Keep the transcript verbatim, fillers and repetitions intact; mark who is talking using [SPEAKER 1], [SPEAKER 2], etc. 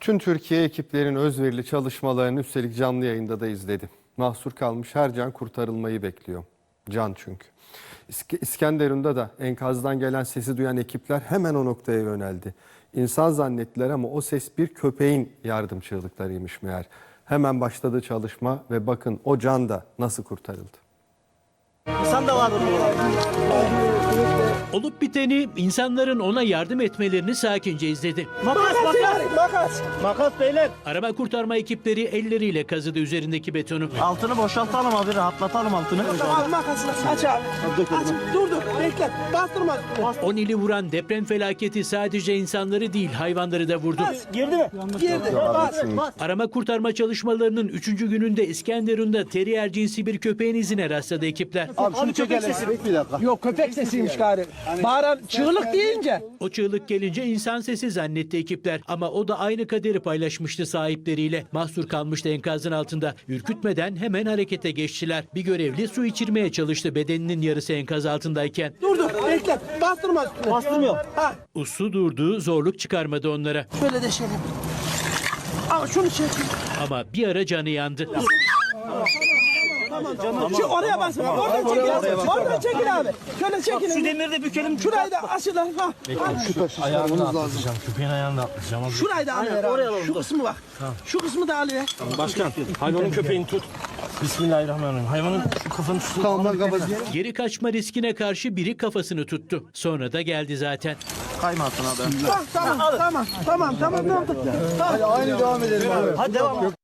[SPEAKER 1] Bütün Türkiye ekiplerin özverili çalışmalarını üstelik canlı yayında da izledi. Mahsur kalmış her can kurtarılmayı bekliyor. Can çünkü. İsk- İskenderun'da da enkazdan gelen sesi duyan ekipler hemen o noktaya yöneldi. İnsan zannettiler ama o ses bir köpeğin yardım çığlıklarıymış meğer. Hemen başladı çalışma ve bakın o can da nasıl kurtarıldı.
[SPEAKER 2] İnsan da vardır burada.
[SPEAKER 3] Olup biteni, insanların ona yardım etmelerini sakince izledi.
[SPEAKER 2] Makas, makas, makas. Makas beyler.
[SPEAKER 3] Arama kurtarma ekipleri elleriyle kazıdı üzerindeki betonu.
[SPEAKER 2] Altını boşaltalım abi, rahatlatalım altını.
[SPEAKER 4] Abi makasını aç abi. Aç. Dur dur bekle. Bastırma.
[SPEAKER 3] On ili vuran deprem felaketi sadece insanları değil hayvanları da vurdu.
[SPEAKER 2] Girdi mi?
[SPEAKER 4] Girdi. Bas. Bas.
[SPEAKER 3] Arama kurtarma çalışmalarının üçüncü gününde İskenderun'da terrier cinsi bir köpeğin izine rastladı ekipler.
[SPEAKER 2] Abi şunu çekelim.
[SPEAKER 4] Yok köpek sesiymiş gari. Bağıran çığlık deyince.
[SPEAKER 3] O çığlık gelince insan sesi zannetti ekipler ama o da aynı kaderi paylaşmıştı sahipleriyle. Mahsur kalmıştı enkazın altında. Ürkütmeden hemen harekete geçtiler. Bir görevli su içirmeye çalıştı bedeninin yarısı enkaz altındayken.
[SPEAKER 4] Dur dur bekle. Bastırma üstüne.
[SPEAKER 2] Bastırmıyor.
[SPEAKER 4] Ha.
[SPEAKER 3] Su durdu, zorluk çıkarmadı onlara.
[SPEAKER 4] Şöyle de şöyle. Al şunu çek.
[SPEAKER 3] Ama bir ara canı yandı.
[SPEAKER 4] Tamam. Şu oraya basın. Oradan çekil. Oradan çekil abi. Şöyle çekil.
[SPEAKER 2] Şu demiri de bükelim.
[SPEAKER 4] Şurayı da aşılar. Ha.
[SPEAKER 2] Ayağını atlayacağım. Köpeğin ayağını da atlayacağım.
[SPEAKER 4] Şurayı da al. Şu kısmı bak. Şu kısmı da alıyor.
[SPEAKER 2] Başkan, hayvanın köpeğini tut. Bismillahirrahmanirrahim. Hayvanın şu kafanı tut. Tamam,
[SPEAKER 3] Geri kaçma riskine karşı biri kafasını tuttu. Sonra da geldi zaten.
[SPEAKER 2] Kayma altına abi.
[SPEAKER 4] Bak tamam tamam tamam tamam. Tamam.
[SPEAKER 2] Hadi devam edelim abi. Hadi devam.